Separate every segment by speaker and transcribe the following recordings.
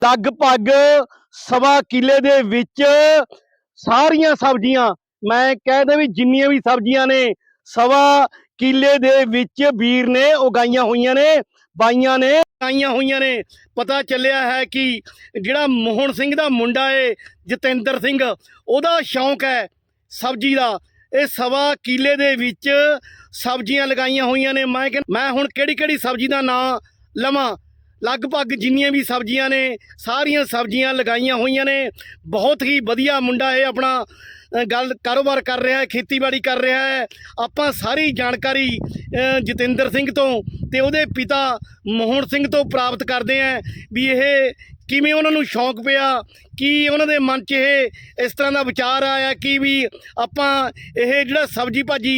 Speaker 1: ਲਗਭਗ ਸਵਾ ਕਿੱਲੇ ਦੇ ਵਿੱਚ ਸਾਰੀਆਂ ਸਬਜ਼ੀਆਂ, ਮੈਂ ਕਹਿ ਵੀ ਜਿੰਨੀਆਂ ਵੀ ਸਬਜ਼ੀਆਂ ਨੇ ਸਵਾ ਕਿੱਲੇ ਦੇ ਵਿੱਚ ਵੀਰ ਨੇ ਉਗਾਈਆਂ ਹੋਈਆਂ ਨੇ, ਬਾਈਆਂ ਨੇ ਉਗਾਈਆਂ ਹੋਈਆਂ ਨੇ। ਪਤਾ ਚੱਲਿਆ ਹੈ ਕਿ ਜਿਹੜਾ ਮੋਹਨ ਸਿੰਘ ਦਾ ਮੁੰਡਾ ਏ ਜਤਿੰਦਰ ਸਿੰਘ, ਉਹਦਾ ਸ਼ੌਂਕ ਹੈ ਸਬਜ਼ੀ ਦਾ। ਇਹ ਸਵਾ ਕਿੱਲੇ ਦੇ ਵਿੱਚ ਸਬਜ਼ੀਆਂ ਲਗਾਈਆਂ ਹੋਈਆਂ ਨੇ। ਮੈਂ ਹੁਣ ਕਿਹੜੀ ਸਬਜ਼ੀ ਦਾ ਨਾਂ ਲਵਾਂ, ਲਗਭਗ ਜਿੰਨੀਆਂ ਵੀ ਸਬਜ਼ੀਆਂ ਨੇ ਸਾਰੀਆਂ ਸਬਜ਼ੀਆਂ ਲਗਾਈਆਂ ਹੋਈਆਂ ਨੇ। ਬਹੁਤ ਹੀ ਵਧੀਆ ਮੁੰਡਾ ਇਹ ਆਪਣਾ ਕਾਰੋਬਾਰ ਕਰ ਰਿਹਾ ਹੈ, ਖੇਤੀਬਾੜੀ ਕਰ ਰਿਹਾ ਹੈ। ਆਪਾਂ ਸਾਰੀ ਜਾਣਕਾਰੀ ਜਤਿੰਦਰ ਸਿੰਘ ਤੋਂ ਤੇ ਉਹਦੇ ਪਿਤਾ ਮੋਹਨ ਸਿੰਘ ਤੋਂ ਪ੍ਰਾਪਤ ਕਰਦੇ ਹਾਂ ਵੀ ਇਹ ਕਿਵੇਂ ਉਹਨਾਂ ਨੂੰ ਸ਼ੌਂਕ ਪਿਆ, ਕੀ ਉਹਨਾਂ ਦੇ ਮਨ 'ਚ ਇਹ ਇਸ ਤਰ੍ਹਾਂ ਦਾ ਵਿਚਾਰ ਆਇਆ ਕਿ ਵੀ ਆਪਾਂ ਇਹ ਜਿਹੜਾ ਸਬਜ਼ੀ ਭਾਜੀ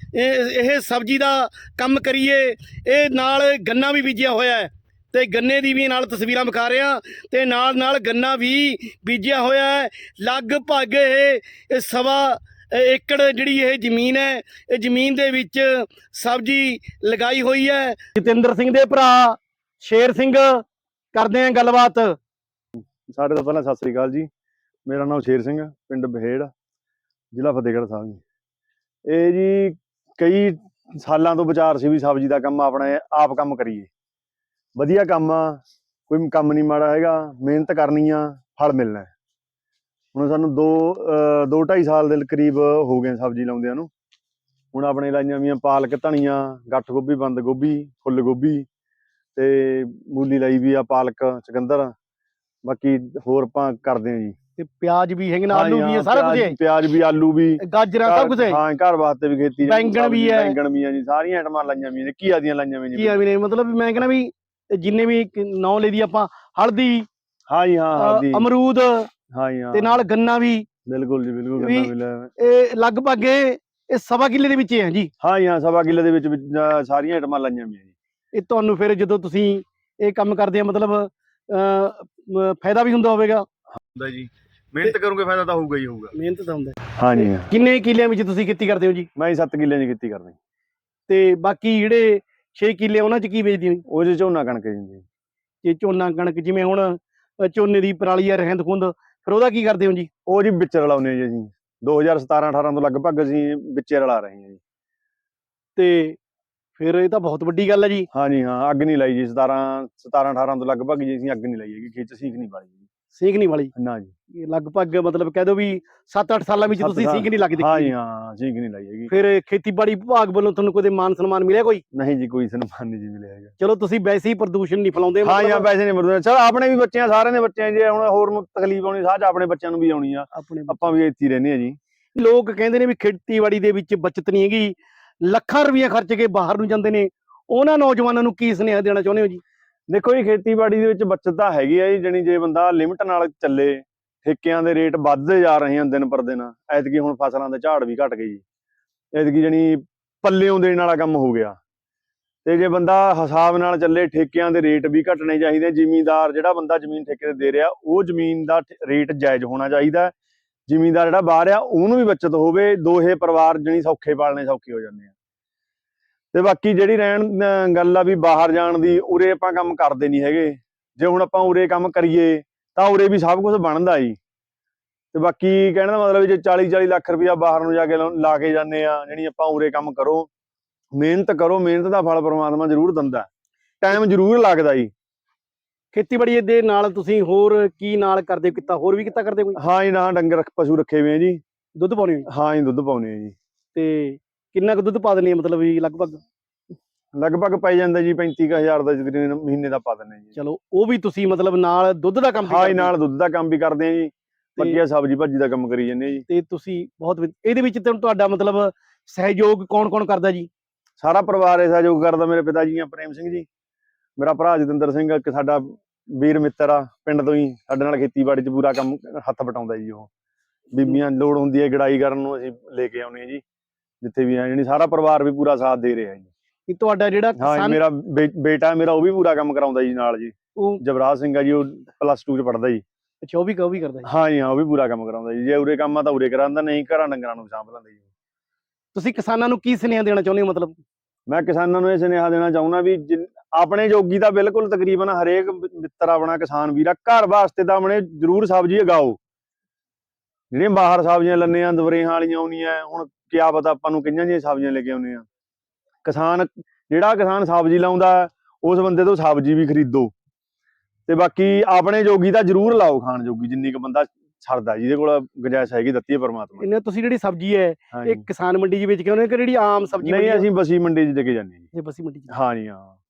Speaker 1: ਇਹ ਸਬਜ਼ੀ ਦਾ ਕੰਮ ਕਰੀਏ। ਇਹ ਨਾਲ ਗੰਨਾ ਵੀ ਬੀਜਿਆ ਹੋਇਆ ਹੈ ਤੇ ਗੰਨੇ ਦੀ ਵੀ ਨਾਲ ਤਸਵੀਰਾਂ ਵਿਖਾ ਰਿਹਾ ਤੇ ਨਾਲ ਗੰਨਾ ਵੀ ਬੀਜਿਆ ਹੋਇਆ ਹੈ। ਲਗਭਗ ਇਹ ਸਵਾ ਏਕੜ ਜਿਹੜੀ ਇਹ ਜ਼ਮੀਨ ਹੈ, ਇਹ ਜ਼ਮੀਨ ਦੇ ਵਿੱਚ ਸਬਜ਼ੀ ਲਗਾਈ ਹੋਈ ਹੈ। ਜਤਿੰਦਰ ਸਿੰਘ ਦੇ ਭਰਾ ਸ਼ੇਰ ਸਿੰਘ ਕਰਦੇ ਆ ਗੱਲਬਾਤ।
Speaker 2: ਸਾਡੇ ਤੋਂ ਪਹਿਲਾਂ ਸਤਿ ਸ੍ਰੀ ਅਕਾਲ ਜੀ। ਮੇਰਾ ਨਾਮ ਸ਼ੇਰ ਸਿੰਘ, ਪਿੰਡ ਬਹੇੜ, ਜ਼ਿਲ੍ਹਾ ਫਤਿਹਗੜ੍ਹ ਸਾਹਿਬ ਜੀ। ਇਹ ਜੀ ਕਈ ਸਾਲਾਂ ਤੋਂ ਵਿਚਾਰ ਸੀ ਵੀ ਸਬਜ਼ੀ ਦਾ ਕੰਮ ਆਪਣੇ ਆਪ ਕੰਮ ਕਰੀਏ। ਵਧੀਆ ਕੰਮ ਆ, ਕੋਈ ਕੰਮ ਨਹੀਂ ਮਾੜਾ ਹੈਗਾ, ਮਿਹਨਤ ਕਰਨੀ ਆ, ਫਲ ਮਿਲਣਾ। ਹੁਣ ਸਾਨੂੰ 2-2.5 ਸਾਲ ਦੇ ਕਰੀਬ ਹੋ ਗਏ ਸਬਜ਼ੀ ਲਾਉਂਦਿਆਂ ਨੂੰ। ਹੁਣ ਆਪਣੇ ਲਾਈਆਂ ਵੀਆਂ ਪਾਲਕ, ਧਨੀਆ, ਗੱਠ ਗੋਭੀ, ਬੰਦ ਗੋਭੀ, ਫੁੱਲ ਗੋਭੀ ਤੇ ਮੂਲੀ ਲਾਈ ਵੀ ਆ, ਪਾਲਕ, ਚੁਕੰਦਰ, ਬਾਕੀ ਹੋਰ ਆਪਾਂ ਕਰਦੇ ਆ ਜੀ।
Speaker 1: ਤੇ ਪਿਆਜ਼ ਵੀ ਹੈਗੇ ਨੇ, ਆਲੂ ਵੀ ਹੈ, ਸਾਰਾ ਕੁਝ ਹੈ।
Speaker 2: ਪਿਆਜ਼ ਵੀ, ਆਲੂ ਵੀ,
Speaker 1: ਗਾਜਰਾਂ, ਸਭ ਕੁਝ ਹੈ।
Speaker 2: ਹਾਂ, ਘਰ ਵਾਸਤੇ ਵੀ ਖੇਤੀ,
Speaker 1: ਬੈਂਗਣ ਵੀ ਹੈ,
Speaker 2: ਬੈਂਗਣ ਵੀ ਆ ਜੀ, ਸਾਰੀਆਂ ਆਈਟਮਾਂ ਲਾਈਆਂ ਵੀ ਨੇ। ਘੀਆ ਦੀਆਂ ਲਾਈਆਂ ਵੀ
Speaker 1: ਘੀਆ ਵੀ ਨੇ, ਮਤਲਬ ਮੈਂ ਕਹਿੰਦਾ ਵੀ ਜਿੰਨੇ ਵੀ ਨਾਂ ਲਈ ਦੀ ਆਪਾਂ, ਹਲਦੀ,
Speaker 2: ਹਾਂ ਜੀ, ਹਾਂ, ਹਲਦੀ,
Speaker 1: ਅਮਰੂਦ,
Speaker 2: ਹਾਂ ਜੀ, ਹਾਂ,
Speaker 1: ਤੇ ਨਾਲ ਗੰਨਾ ਵੀ।
Speaker 2: ਬਿਲਕੁਲ ਜੀ, ਬਿਲਕੁਲ ਗੰਨਾ ਵੀ ਲਾਇਆ।
Speaker 1: ਇਹ ਲਗਭਗ ਇਹ ਸਵਾ ਕਿੱਲੇ ਦੇ ਵਿੱਚ ਹੈ ਜੀ।
Speaker 2: ਹਾਂ ਜੀ, ਹਾਂ, ਸਵਾ ਕਿੱਲੇ ਦੇ ਵਿੱਚ ਸਾਰੀਆਂ ਆਈਟਮਾਂ ਲਾਈਆਂ ਵੀ ਜੀ।
Speaker 1: ਇਹ ਤੁਹਾਨੂੰ ਫਿਰ ਜਦੋਂ ਤੁਸੀਂ ਇਹ ਕੰਮ ਕਰਦੇ ਆ ਮਤਲਬ ਫਾਇਦਾ ਵੀ ਹੁੰਦਾ ਹੋਵੇਗਾ?
Speaker 2: ਹੁੰਦਾ ਜੀ, ਮਿਹਨਤ ਕਰੋਗੇ ਫਾਇਦਾ ਤਾਂ ਹੋਊਗਾ ਹੀ ਹੋਊਗਾ।
Speaker 1: ਮਿਹਨਤ ਤਾਂ ਹੁੰਦਾ।
Speaker 2: ਹਾਂ ਜੀ।
Speaker 1: ਕਿੰਨੇ ਕਿੱਲਿਆਂ ਵਿੱਚ ਤੁਸੀਂ ਖੇਤੀ ਕਰਦੇ ਹੋ ਜੀ?
Speaker 2: ਮੈਂ 7 ਕਿੱਲਿਆਂ ਦੀ ਖੇਤੀ ਕਰਦਾ।
Speaker 1: ਤੇ ਬਾਕੀ ਜਿਹੜੇ 6 ਕਿੱਲੇ ਉਹਨਾਂ 'ਚ ਕੀ ਵੇਚਦੇ ਹੋ?
Speaker 2: ਉਹ 'ਚ ਝੋਨਾ ਕਣਕ ਜੀ।
Speaker 1: ਇਹ ਝੋਨਾ ਕਣਕ, ਜਿਵੇਂ ਹੁਣ ਝੋਨੇ ਦੀ ਪਰਾਲੀ ਆ, ਰਹਿੰਦ ਖੁੰਦ, ਫਿਰ ਉਹਦਾ ਕੀ ਕਰਦੇ ਹੋ ਜੀ?
Speaker 2: ਉਹ ਜੀ ਵਿੱਚ ਰਲਾਉਂਦੇ ਜੀ ਅਸੀਂ। 2017-18 ਤੋਂ ਲਗਭਗ ਅਸੀਂ ਵਿੱਚੇ ਰਲਾ ਰਹੇ ਹਾਂ ਜੀ।
Speaker 1: ਤੇ ਫਿਰ ਇਹ ਤਾਂ ਬਹੁਤ ਵੱਡੀ ਗੱਲ ਹੈ ਜੀ।
Speaker 2: ਹਾਂ ਜੀ, ਹਾਂ, ਅੱਗ ਨਹੀਂ ਲਾਈ ਜੀ। 17-18 ਤੋਂ ਲਗਭਗ ਜੀ ਅਸੀਂ ਅੱਗ ਨਹੀਂ ਲਾਈ ਹੈਗੀ, ਖੇਤ 'ਚ ਸੀਖ ਨਹੀਂ ਪਾਈ ਜੀ।
Speaker 1: ਸੀਖ ਨਹੀਂ ਵਾਲੀ?
Speaker 2: ਨਾ ਜੀ।
Speaker 1: ਇਹ ਲਗਭਗ ਮਤਲਬ ਕਹਿ ਦਿਓ ਵੀ 7-8 ਸਾਲਾਂ ਵਿੱਚ ਤੁਸੀਂ ਸੀਖ ਨਹੀਂ ਲੱਗਦੀ?
Speaker 2: ਹਾਂ ਜੀ, ਹਾਂ, ਸੀਖ ਨਹੀਂ ਲਾਈ ਹੈਗੀ।
Speaker 1: ਫਿਰ ਖੇਤੀਬਾੜੀ ਵਿਭਾਗ ਵੱਲੋਂ ਤੁਹਾਨੂੰ ਕੋਈ ਮਾਨ ਸਨਮਾਨ ਮਿਲਿਆ ਕੋਈ?
Speaker 2: ਨਹੀਂ ਜੀ, ਕੋਈ ਸਨਮਾਨ ਨਹੀਂ ਜੀ ਮਿਲਿਆ ਹੈਗਾ।
Speaker 1: ਚਲੋ ਤੁਸੀਂ ਵੈਸੇ ਹੀ ਪ੍ਰਦੂਸ਼ਣ ਨਹੀਂ ਫੈਲਾਉਂਦੇ?
Speaker 2: ਹਾਂ ਜੀ, ਵੈਸੇ ਨਹੀਂ ਮਰਦੇ। ਚਲ ਆਪਣੇ ਵੀ ਬੱਚੇ ਆ, ਸਾਰਿਆਂ ਦੇ ਬੱਚੇ ਆ ਜੀ। ਹੁਣ ਹੋਰ ਨੂੰ ਤਕਲੀਫ ਆਉਣੀ, ਸਾਹ ਆਪਣੇ ਬੱਚਿਆਂ ਨੂੰ ਵੀ ਆਉਣੀ ਆ। ਆਪਾਂ ਵੀ ਇੱਥੇ ਹੀ ਰਹਿੰਦੇ ਆ ਜੀ।
Speaker 1: ਲੋਕ ਕਹਿੰਦੇ ਨੇ ਵੀ ਖੇਤੀਬਾੜੀ ਦੇ ਵਿੱਚ ਬੱਚਤ ਨਹੀਂ ਹੈਗੀ, ਲੱਖਾਂ ਰੁਪਈਆ ਖਰਚ ਕੇ ਬਾਹਰ ਨੂੰ ਜਾਂਦੇ ਨੇ, ਉਹਨਾਂ ਨੌਜਵਾਨਾਂ ਨੂੰ ਕੀ ਸੁਨੇਹਾ ਦੇਣਾ ਚਾਹੁੰਦੇ ਹੋ ਜੀ?
Speaker 2: ਦੇਖੋ ਜੀ, ਖੇਤੀਬਾੜੀ ਦੇ ਵਿੱਚ ਬੱਚਤ ਤਾਂ ਹੈਗੀ ਆ ਜੀ। ਜਾਣੀ ਜੇ ਬੰਦਾ ਲਿਮਟ ਨਾਲ ਚੱਲੇ। ਠੇਕਿਆਂ ਦੇ ਰੇਟ ਵੱਧਦੇ ਜਾ ਰਹੇ ਹਨ ਦਿਨ ਪਰ ਦਿਨ। ਐਤਕੀ ਹੁਣ ਫਸਲਾਂ ਦੇ ਝਾੜ ਵੀ ਘਟ ਗਏ ਜੀ। ਐਤਕੀ ਜਾਣੀ ਪੱਲਿਓਂ ਦੇਣ ਵਾਲਾ ਕੰਮ ਹੋ ਗਿਆ। ਤੇ ਜੇ ਬੰਦਾ ਹਿਸਾਬ ਨਾਲ ਚੱਲੇ, ਠੇਕਿਆਂ ਦੇ ਰੇਟ ਵੀ ਘਟਣੇ ਚਾਹੀਦੇ। ਜ਼ਿਮੀਂਦਾਰ ਜਿਹੜਾ ਬੰਦਾ ਜ਼ਮੀਨ ਠੇਕੇ ਤੇ ਦੇ ਰਿਹਾ, ਉਹ ਜ਼ਮੀਨ ਦਾ ਰੇਟ ਜਾਇਜ਼ ਹੋਣਾ ਚਾਹੀਦਾ। ਜ਼ਿਮੀਂਦਾਰ ਜਿਹੜਾ ਬਾਹਰ ਆ, ਉਹਨੂੰ ਵੀ ਬੱਚਤ ਹੋਵੇ। ਦੋਹੇ ਪਰਿਵਾਰ ਜਾਣੀ ਸੌਖੇ ਪਾਲਣੇ ਸੌਖੇ ਹੋ ਜਾਂਦੇ ਆ। ਤੇ ਬਾਕੀ ਜਿਹੜੀ ਰਹਿਣ ਗੱਲ ਆ ਵੀ ਬਾਹਰ ਜਾਣ ਦੀ, ਉਰੇ ਆਪਾਂ ਕੰਮ ਕਰਦੇ ਨਹੀਂ ਹੈਗੇ। ਜੇ ਹੁਣ ਆਪਾਂ ਉਰੇ ਕੰਮ ਕਰੀਏ ਤਾਂ ਉਰੇ ਵੀ ਸਭ ਕੁਝ ਬਣਦਾ ਜੀ। ਤੇ ਬਾਕੀ ਕਹਿਣ ਦਾ ਮਤਲਬ ਜੇ 40-40 ਲੱਖ ਰੁਪਇਆ ਬਾਹਰ ਨੂੰ ਜਾ ਕੇ ਲਾ ਕੇ ਜਾਂਦੇ ਆ, ਜਿਹੜੀ ਆਪਾਂ ਉਰੇ ਕੰਮ ਕਰੋ, ਮਿਹਨਤ ਕਰੋ, ਮਿਹਨਤ ਦਾ ਫਲ ਪਰਮਾਤਮਾ ਜ਼ਰੂਰ ਦਿੰਦਾ। ਟਾਈਮ ਜ਼ਰੂਰ ਲੱਗਦਾ ਜੀ।
Speaker 1: ਖੇਤੀਬਾੜੀ ਦੇ ਨਾਲ ਤੁਸੀਂ ਹੋਰ ਕੀ ਨਾਲ ਕਰਦੇ ਹੋ? ਕਿੱਤਾ ਹੋਰ ਵੀ ਕਿੱਤਾ ਕਰਦੇ ਕੋਈ? ਹਾਂ
Speaker 2: ਜੀ, ਨਾ, ਡੰਗਰ ਪਸ਼ੂ ਰੱਖੇ ਹੋਏ ਆ ਜੀ।
Speaker 1: ਦੁੱਧ ਪਾਉਣੇ?
Speaker 2: ਹਾਂ ਜੀ, ਦੁੱਧ ਪਾਉਣੇ ਆ ਜੀ।
Speaker 1: ਤੇ ਕਿੰਨਾ ਕੁ ਦੁੱਧ ਪਾ ਦਿੰਦੇ ਆ ਮਤਲਬ ਵੀ?
Speaker 2: ਲਗਭਗ ਪੈ ਜਾਂਦਾ ਜੀ 35,000 ਦਾ ਤਕਰੀਬਨ ਮਹੀਨੇ ਦਾ ਪਾ ਦਿੰਦੇ ਜੀ।
Speaker 1: ਚਲੋ, ਉਹ ਵੀ ਤੁਸੀਂ ਮਤਲਬ ਨਾਲ ਦੁੱਧ ਦਾ ਕੰਮ?
Speaker 2: ਹਾਂ ਜੀ, ਨਾਲ ਦੁੱਧ ਦਾ ਕੰਮ ਵੀ ਕਰਦੇ ਆ ਜੀ। ਬਾਕੀ ਸਬਜ਼ੀ ਭਾਜੀ ਦਾ ਕੰਮ ਕਰੀ ਜਾਂਦੇ ਜੀ।
Speaker 1: ਤੇ ਤੁਸੀਂ ਬਹੁਤ ਇਹਦੇ ਵਿੱਚ ਤੁਹਾਡਾ ਮਤਲਬ ਸਹਿਯੋਗ ਕੌਣ ਕਰਦਾ ਜੀ?
Speaker 2: ਸਾਰਾ ਪਰਿਵਾਰ ਇਹ ਸਹਿਯੋਗ ਕਰਦਾ। ਮੇਰੇ ਪਿਤਾ ਜੀ ਆ ਪ੍ਰੇਮ ਸਿੰਘ ਜੀ, ਮੇਰਾ ਭਰਾ ਜਤਿੰਦਰ ਸਿੰਘ, ਇੱਕ ਸਾਡਾ ਵੀਰ ਮਿੱਤਰ ਆ ਪਿੰਡ ਤੋਂ ਹੀ, ਸਾਡੇ ਨਾਲ ਖੇਤੀਬਾੜੀ 'ਚ ਪੂਰਾ ਕੰਮ ਹੱਥ ਵਟਾਉਂਦਾ ਜੀ। ਉਹ ਬੀਬੀਆਂ ਲੋੜ ਹੁੰਦੀ ਹੈ ਗੜਾਈ ਕਰਨ ਨੂੰ, ਅਸੀਂ ਲੈ ਕੇ ਆਉਂਦੇ ਹਾਂ ਜੀ ਜਿੱਥੇ ਵੀ ਆ। ਜਾਣੀ ਸਾਰਾ ਪਰਿਵਾਰ ਵੀ ਪੂਰਾ ਸਾਥ ਦੇ ਰਿਹਾ ਜੀ।
Speaker 1: ਤੁਹਾਡਾ ਜਿਹੜਾ
Speaker 2: ਮੇਰਾ ਬੇਟਾ ਮੇਰਾ ਉਹ ਵੀ ਪੂਰਾ ਕੰਮ ਕਰਾਉਂਦਾ ਜੀ ਨਾਲ ਜੀ। ਉਹ ਜਵਰਾਜ ਸਿੰਘ ਆ ਜੀ, ਉਹ +2 'ਚ ਪੜ੍ਹਦਾ ਜੀ।
Speaker 1: ਅੱਛਾ, ਉਹ ਵੀ ਕਰਦਾ ਜੀ?
Speaker 2: ਹਾਂ ਜੀ, ਹਾਂ, ਉਹ ਵੀ ਪੂਰਾ ਕੰਮ ਕਰਾਉਂਦਾ ਜੀ। ਜੇ ਉਰੇ ਕੰਮ ਆ ਤਾਂ ਉਰੇ ਕਰਾਉਂਦਾ, ਨਹੀਂ ਘਰਾਂ ਡੰਗਰਾਂ ਨੂੰ ਸਾਂਭ ਲੈਂਦਾ ਜੀ।
Speaker 1: ਤੁਸੀਂ ਕਿਸਾਨਾਂ ਨੂੰ ਕੀ ਸੁਨੇਹਾ ਦੇਣਾ ਚਾਹੁੰਦੇ ਹੋ? ਮਤਲਬ
Speaker 2: ਮੈਂ ਕਿਸਾਨਾਂ ਨੂੰ ਇਹ ਸੁਨੇਹਾ ਦੇਣਾ ਚਾਹੁੰਦਾ ਵੀ ਆਪਣੇ ਜੋਗੀ ਤਾਂ ਬਿਲਕੁਲ ਤਕਰੀਬਨ ਹਰੇਕ ਮਿੱਤਰ ਆਪਣਾ ਕਿਸਾਨ ਵੀਰ ਆ ਘਰ ਵਾਸਤੇ ਤਾਂ ਆਪਣੇ ਜ਼ਰੂਰ ਸਬਜ਼ੀ ਉਗਾਓ। ਜਿਹੜੀਆਂ ਬਾਹਰ ਸਬਜ਼ੀਆਂ ਲੈਂਦੇ ਆ ਦਵਰੇਹਾਂ ਵਾਲੀਆਂ ਆਉਣੀਆਂ, ਹੁਣ ਕਿਆ ਪਤਾ ਆਪਾਂ ਨੂੰ ਕਿੰਨੀਆਂ ਜਿਹੀਆਂ ਸਬਜ਼ੀਆਂ ਲੈ ਕੇ ਆਉਂਦੇ ਆ। ਜਿਹੜਾ ਕਿਸਾਨ ਸਬਜ਼ੀ ਲਾਉਂਦਾ ਉਸ ਬੰਦੇ ਤੋਂ ਸਬਜ਼ੀ ਵੀ ਖਰੀਦੋ, ਤੇ ਬਾਕੀ ਆਪਣੇ ਜੋਗੀ ਤਾਂ ਜ਼ਰੂਰ ਲਾਓ ਖਾਣ ਜੋਗੀ, ਜਿੰਨੀ ਕੁ ਬੰਦਾ ਛੱਡਦਾ, ਜਿਹਦੇ ਕੋਲ ਗੁੰਜਾਇਸ਼ ਹੈਗੀ ਦਿੱਤੀ ਹੈ ਪਰਮਾਤਮਾ ਨੇ।
Speaker 1: ਇਹਨੇ ਤੁਸੀਂ ਜਿਹੜੀ ਸਬਜ਼ੀ ਹੈ
Speaker 2: ਹਾਂਜੀ।
Speaker 1: ਇਹ ਕਿਸਾਨ ਮੰਡੀ 'ਚ ਵੇਚ ਕੇ ਆਉਂਦੇ ਕਿ ਜਿਹੜੀ ਆਮ ਸਬਜ਼ੀ
Speaker 2: ਨਹੀਂ, ਅਸੀਂ ਬਸੀ ਮੰਡੀ 'ਚ ਦੇ ਕੇ ਜਾਂਦੇ ਜੀ।
Speaker 1: ਇਹ ਬਸੀ ਮੰਡੀ 'ਚ
Speaker 2: ਹਾਂਜੀ ਹਾਂ।